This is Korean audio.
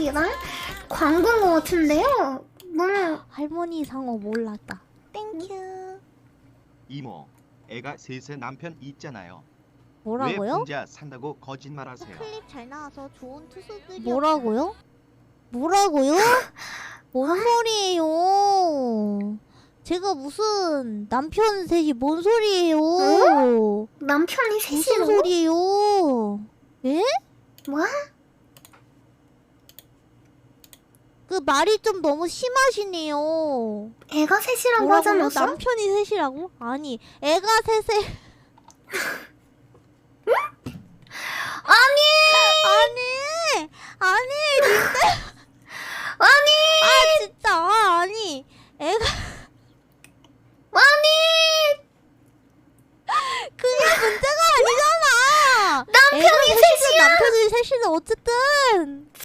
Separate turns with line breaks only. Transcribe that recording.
사람들이랑 광고인 것 같은데요? 뭐
할머니 상어 몰랐다. 땡큐.
이모, 애가 셋의 남편 있잖아요. 왜
뭐라고요?
혼자 산다고 거짓말하세요?
클립 잘 나와서 좋은 투수들이
뭐라고요? 뭐라고요? 뭔 소리예요? 제가 무슨 남편 셋이 뭔 소리예요?
남편이
무슨
셋이로?
소리예요? 예?
뭐?
그 말이 좀 너무 심하시네요.
애가 셋이라고
뭐라고요?
하지 않았어?
남편이 셋이라고? 아니, 애가 셋에
아니!
아니, 님들.
아니!
아 진짜 아니, 애가
아니!
그게 문제가 아니잖아.
남편이
애가 셋이면
셋이야!
남편이 셋이는 어쨌든